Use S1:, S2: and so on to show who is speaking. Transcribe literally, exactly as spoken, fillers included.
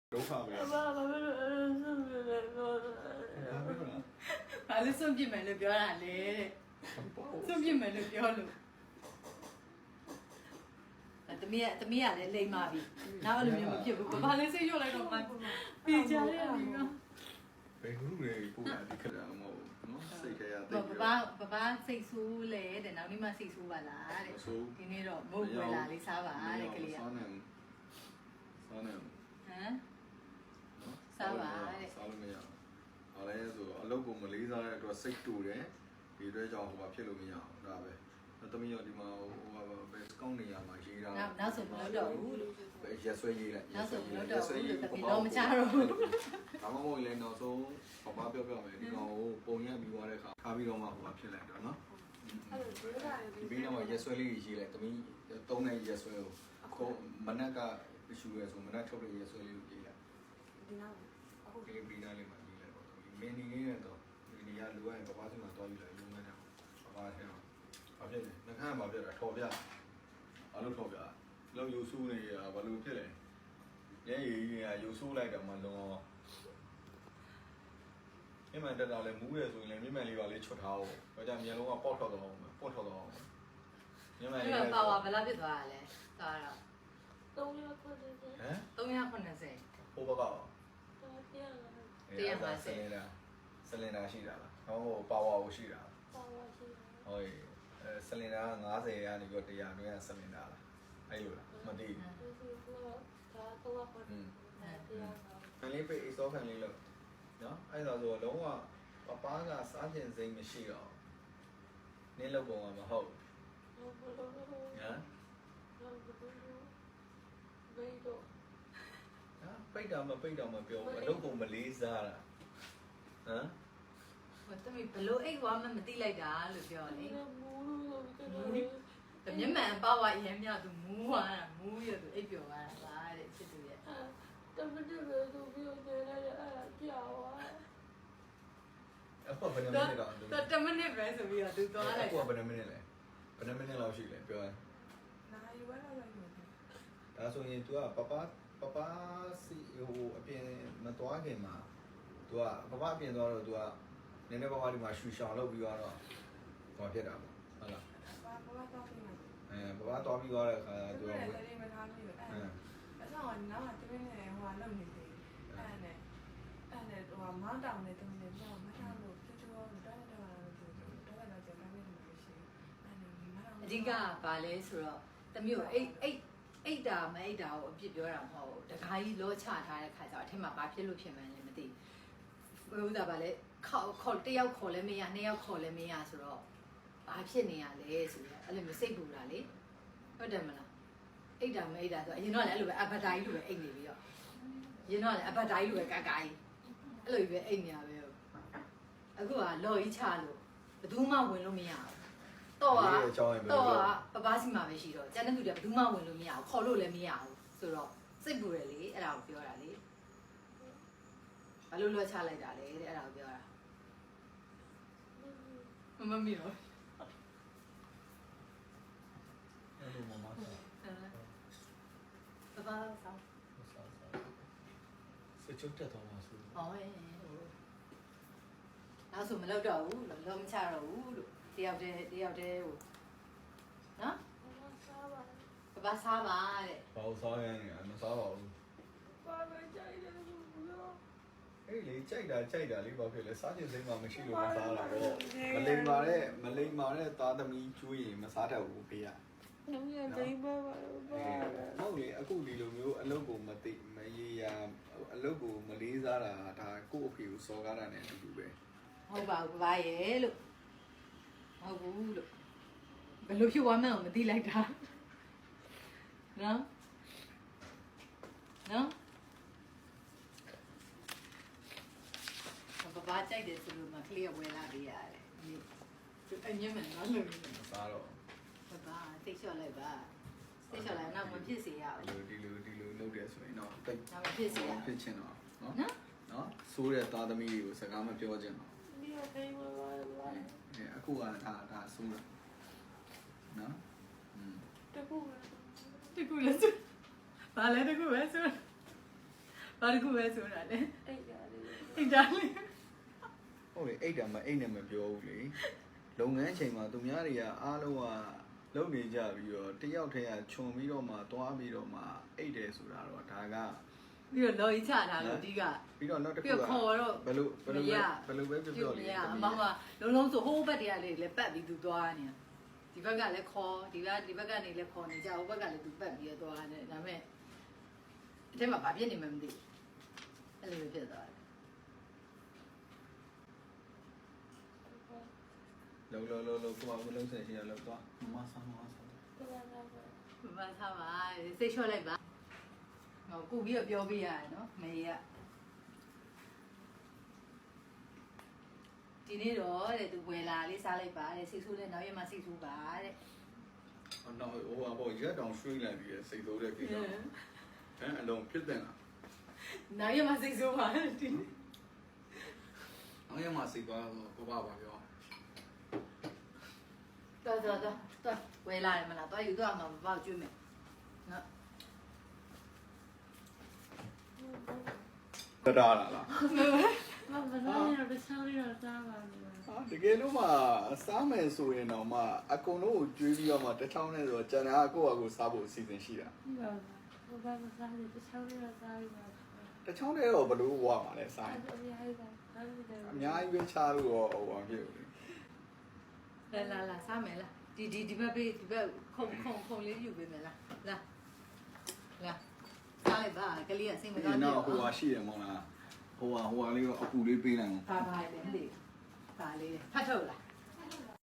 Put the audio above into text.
S1: ဒုက္ခပဲ
S2: ဘာဘာဘာဆုံးပြလဲပြောတာ
S3: ဘာလို့ဆုံးပြမယ်လို့ပြောတာလဲတဲ့ဆုံးပြမယ်လို့ပြောလို့တမီးကတမီးကလည်းလိမ့်ပါပြီနောက်အဲ့လိုမျိုးမဖြစ်ဘူးဘာလဲစိတ်ရွတ်လိုက်တော့မှပြေချရတယ်ဒီက
S1: ဘယ်ခုတွေပို့တာဒီခက်တာမဟုတ်ဘူးနော်စိတ်ခဲရတဲ့
S3: ဘာဘာဘာစိတ်ဆိုးလဲတဲ့နောက်နေ့မှစိတ်ဆိုးပါလားတဲ့ဒီနေ့တော့မဟုတ်ဘူးလားလေးစားပါတဲ့ကလေးက
S1: စားနေစားနေ
S3: ဟမ်စားပါတဲ့
S1: စားလို့မရဘူး။အားလဲဆိုအလုပ်ကိုမလေးစားတဲ့အတွက်စိတ်တူတယ်ဒီအတွက်ကြောင့်ဟိုဘာဖြစ်လို့မရအောင်ဒါပဲ။သမီးရောဒီမှာဟိုဘာပဲစကောင်းနေရမှာရေးတာ
S3: နောက်နောက်ဆိုမလုပ်တော့ဘူးလို့
S1: ပဲရက်ဆွဲရေးလိုက်
S3: နောက်ဆိုမလုပ်တော့ဘူးလို့တပီတော့မချတော့ဘူး
S1: ဒါမှမဟုတ်လည်းနောက်ဆုံးဘာမှပြောပြမယ်ဒီကောင်ကိုပုံရပြီးသွားတဲ့အခါထားပြီးတော့မှဟိုဘာဖြစ်လိုက်တော့နော်
S2: အဲ့လိုပြောတာလေ
S1: ဒီဘေးတော့ရက်ဆွဲလေးရေးလိုက်သမီးသုံးတဲ့ရက်ဆွဲကိုကိုမနက်ကရှူရဲဆိုမနက်ထုတ်တဲ့ရက်ဆွဲလေးကိုရေးလိုက်
S2: ဒီနောက်အခု
S1: ဒီပရီနာလေးမှာရေးလိုက်တော့မင်းနေနေတော့ဒီနေရာလူကပပစီမှာတော့ယူလိုက်ရုံးနေတယ်ပပထဲမှာဘာဖြစ်လဲနှခမ်းမှာပြတာထော်ပြဘာလို့ထော်ပြလောက်ယူဆူးနေရဘာလို့ဖြစ်လဲရဲရီကြီးကယူဆူးလိုက်တော့မှလုံးအောင်အမှန်တက်တော့လေမူးရဆိုရင်လည်းမြင့်မှန်လေးပါလေးချွတ်ထားအောင်ဒါကြောင့်မျက်လုံးကပေါက်ထွက်သွားအောင်ပေါက်ထွက်သွားအောင်မြင့်မှန်လေး
S3: ဒီမှာပါဝါဘယ်လောက်ဖြစ်သွားတာလဲသွားတော့
S2: သုံးရက်ခွင့်တယ်
S1: ဟမ်
S3: သုံးရာခုနှစ်ဆယ်
S1: ဟိုဘကော
S2: တော့တရားလာ
S1: ဆလင်ဒါဆလင်ဒါရှိတာလားဟောပါဝါကိုရှိတာ
S2: ပါဝါရှိတယ်
S1: ဟိုအဲဆလင်ဒါက90ရာနေပြီးတော့100တွင်းကဆလင်ဒါလားအဲ့လိုလားမသိဘူး
S2: ဒီကတော့ဒါတော့ခွင့်တယ်တရားလာ
S1: ခံလေးပိတ်အစောခံလေးလို့နော်အဲ့ဒါဆိုလုံးဝပပားကစားကျင်စိမ့်မရှိတော့နင်းလောက်ပုံကမဟုတ်
S2: ဟုတ်ပါတော့
S1: ဟမ်
S2: ဟုတ်ပါတော့ဘယ်တော့
S1: ဟာပိတ်တာမပိတ်တော့မပြောဘူးအလုပ်ကိုမလေးစားတာဟမ်
S3: ဟိုတမီဘလို့အိတ်သွားမှမသိလိုက်တာလို့ပြောလေ
S2: ဒီမူလို့ဆိုတော့
S3: တမျက်မှန်ပါဝါအရင်မြသူမူးသွားတာမူးရသူအိတ်ပြောသွားတာပါတဲ့ချစ်သူရဲ့
S2: တမတက်ပဲသူပြောနေတယ်အဲ့ဒါကြောက်သွား
S1: အခုဘယ်နှမိနစ်တော့
S3: တော့တမနစ်ပဲဆိုပြီးတော့သူသွားလိုက်
S1: အခုဘယ်နှမိနစ်လဲဘယ်နှမိနစ်လောက်ရှိလဲပြောရင်
S2: နိုင်ဝဲလာလိုက်တယ်
S1: ဒါဆိုရင် तू ကပပပပစီဟိုအပြင်မသွားခင်မှာ तू ကပပအပြင်သွားတော့ तू ကနည်းနည်းပါးပါးဒီမှာရှူရှောင်လုပ်ပြီးတော့ဟောဖြစ်တာပေါ့ဟုတ်လား
S2: ဘာဘာတော့ပြင်မှာ
S1: အဲပပသွားပြီးသွားတဲ့အခါ
S2: သူ
S1: तू
S2: က
S1: က
S2: လည်းမထားလို့အဲ့အဲ့တော့နောက်တမင်းနဲ့ဟိုလုံနေတယ်အဲ့နဲ့အဲ့နဲ့ဟိုမောင်းတောင်နဲ့တုံးနေတော့မထားလို့ချူချူတော့တော့တော့တော့တော့ကျန်တယ်မရှိအဲ့နဲ့မောင်း
S3: အဓိကဘာလဲဆိုတော့တမျိုးအိတ်အိတ်အိတ်တာမအိတ်တာကိုအပြစ်ပြောတာမဟုတ်ဘူးတခါကြီးလောချထားတဲ့ခါကျတော့အထက်မှာဘာဖြစ်လို့ဖြစ်မှန်းလည်းမသိဘူးဥစ္စာဘာလဲခေါ်ခေါ်တယောက်ခေါ်လဲမရနှစ်ယောက်ခေါ်လဲမရဆိုတော့ဘာဖြစ်နေရလဲဆိုတော့အဲ့လိုမျိုးစိတ်ပူတာလေဟုတ်တယ်မလားအိတ်တာမအိတ်တာဆိုအရင်တော့လည်းအဲ့လိုပဲအဘဒိုင်းလိုပဲအိတ်နေပြီးတော့ရင်တော့လည်းအဘဒိုင်းလိုပဲကကကြီးအဲ့လိုပဲအိတ်နေရပဲအခုကလော်ကြီးချလို့ဘယ်သူမှဝင်လို့မရဘူးတော့ကတော့ပပစီမှာပဲရှိတော့ကျန်တဲ့သူတွေဘယ်သူမှဝင်လို့မရဘူးခေါ်လို့လည်းမရဘူးဆိုတော့စိတ်ပူတယ်လေအဲ့ဒါကိုပြောတာလေဘာလို့လွှတ်ချလိုက်တာလဲတဲ့အဲ့ဒါကိုပြောတာမမမီရော
S1: အဲ့လိုမမဆော
S3: ပပဆောင်း
S1: ဆောစချုပ်တက်တော့မှာဆို
S3: ဟောရဲ့နောက်ဆိုမလုပ်တော့ဘူးလုံးမချတော့ဘူးလို့တယောက်တည်းတယောက်တည်းဟိုနော်
S2: စားပါ
S3: ပပစားပါတဲ့
S1: ဘာလို့စားရနေမစားပါဘူး
S2: ဘာပဲကြိုက်တယ်လို့ပြော
S1: အဲ့လေကြိုက်တာကြိုက်တာလေးဘာဖြစ်လဲစားခြင်းစိမ့်မှမရှိလို့မစားတာပေါ့မလိမ္မာတဲ့မလိမ္မာတဲ့သားသမီးကျွေးရင်မစားတတ်ဘူးဖေးရ
S2: နမရဒိပါပါဘာ
S1: ဟုတ်လေအခုဒီလိုမျိုးအလုပ်ကိုမသိမရေရာအလုပ်ကိုမလေးစားတာဒါကိုယ့်အဖေကိုစော်ကားတာနဲ့အတူတူပဲ
S3: ဟုတ်ပါဘူးပပရဲ့လို့ဟုတ်ဘူးလို့ဘယ်လိုဖြစ်သွားမှန်းမသိလိုက်တာနော်နော်ပပကြိုက်တယ်ဆိုလို့မကလေးဝယ်လာပေးရတယ်ဒီအညမနော်လို့
S1: မစားတော့
S3: ပပတိတ်လျှော့လိုက်ပါတိတ်လျှော့လိုက်တော့မဖြစ်စေရအောင်
S1: ဒီလိုဒီလိုဒီလိုလုပ်တယ်ဆိုရင်တော့တိတ်
S3: ဒါမဖြစ်စေရ
S1: ဖြစ်ချင်တော့နော်
S3: နော်
S1: နော်ဆိုးတဲ့သားသမီးတွေကိုစကားမပြောချင်တော့
S2: ဒီအတိုင်းပါပါ
S1: အဲအခုကဒါဒါဆိုးတာနော်อืม
S2: တကူ
S3: တကူလဲဆိုဘာလဲတကူပဲဆိုဘာတစ်ခုပဲဆိုတာလဲ
S2: အိတ်ရတယ်
S3: အိတ်တာလေး
S1: ဟုတ်လေအိတ်တာမအိတ်နဲ့မပြောဘူးလေလုပ်ငန်းချိန်မှာသူများတွေကအားလုံးကလုပ်နေကြပြီးတော့တယောက်တည်းကခြုံပြီးတော့မှသွားပြီးတော့မှအိတ်တယ်ဆိုတာတော့ဒါက
S3: ပြီးတော့လော်ကြီးချတာလို့ဒီက
S1: ပြီးတော့နောက်တစ်ခု
S3: ပြီးတော့ခေါ်တော့
S1: ဘယ်လိုဘယ်လိုဘယ်လိုပဲပြောပြောလေ
S3: အမောင်ကလုံးလုံးဆိုဟိုးဘက်တည်းကလေလည်းပတ်ပြီးသူသွားနေဒီဘက်ကလည်းခေါ်ဒီဘက်ဒီဘက်ကနေလည်းခေါ်နေကြဟိုဘက်ကလည်းသူပတ်ပြီးတော့သွားနေဒါပေမဲ့အထက်မှာဘာဖြစ်နေမှမသိအဲ့လိုဖြစ်သွားတယ်
S1: လောလောလောလောကိုကမလုံးဆက်ရှိရလောက်သွားမမဆမ်းမဆမ်း
S3: မမထားပါစိတ်လျှော့လိုက်ပါဟောကုပြီးတော့ပြောပြရတယ်နော်မေရဒီနေ့တော့တဲ့သူဝယ်လာလေးစားလိုက်ပါတဲ့စိတ်ဆိုးတဲ့နောက်ရမှစိတ်ဆိုးပါတဲ့
S1: အော်တော့ဟိုကဘောရက်တောင်ရွှေ့လိုက်ပြီးစိတ်ဆိုးတဲ့ကိစ္စဟမ်အလုံးဖြစ်တဲ့လား
S3: နောက်ရမှစိတ်ဆိုးပါတဲ့ဒီနေ့
S1: အောင်ရမစိတ်သွားတော့ကိုပါပါပြော
S3: တော်တော်တော်တော်ဝယ်လာတယ်မလားတော်ယူတော့မှမပေါ့ကျွေးမယ်နော်
S1: တတားလားလား
S2: မမစားရတော့ချောင်းရတော့စားပါမယ်
S1: ဟာတကယ်လို့မှစားမယ်ဆိုရင်တော့မှအကုန်လုံးကိုကျွေးပြီးတော့မှတစ်ချောင်းနဲ့ဆိုတော့ကျန်တာကိုယ့်အကိုစားဖို့အစီအစဉ်ရှိတာ
S2: ဟုတ်ပါဘူးဘာမစားရတော့ချောင်းရတော့စားရပါ
S1: တစ်ချောင်းနဲ့တော့ဘယ်လိုဝါမှာလဲစားရင်
S2: အဲ့ဒါအများကြီးပါအဲ့ဒါ
S1: အများကြီးပဲချလို့တော့ဟိုဘာဖြစ်လို့လဲ
S3: လာလာလာစားမယ်လားဒီဒီဒီဘက်ပေးဒီဘက်ခုံခုံခုံလေးယူပေးမယ်လားလာလာစားလိုက်ပါကလေးကစိတ်မကောင်း
S1: ဒီ
S3: ဘူး
S1: နောက်ဟိုဟာရှိတယ်မဟုတ်လားဟိုဟာဟိုဟာလေးကအပူလေးပေးလိုက်အောင်
S3: ပါပါလေမသိပါလေဖတ်ထုတ်လား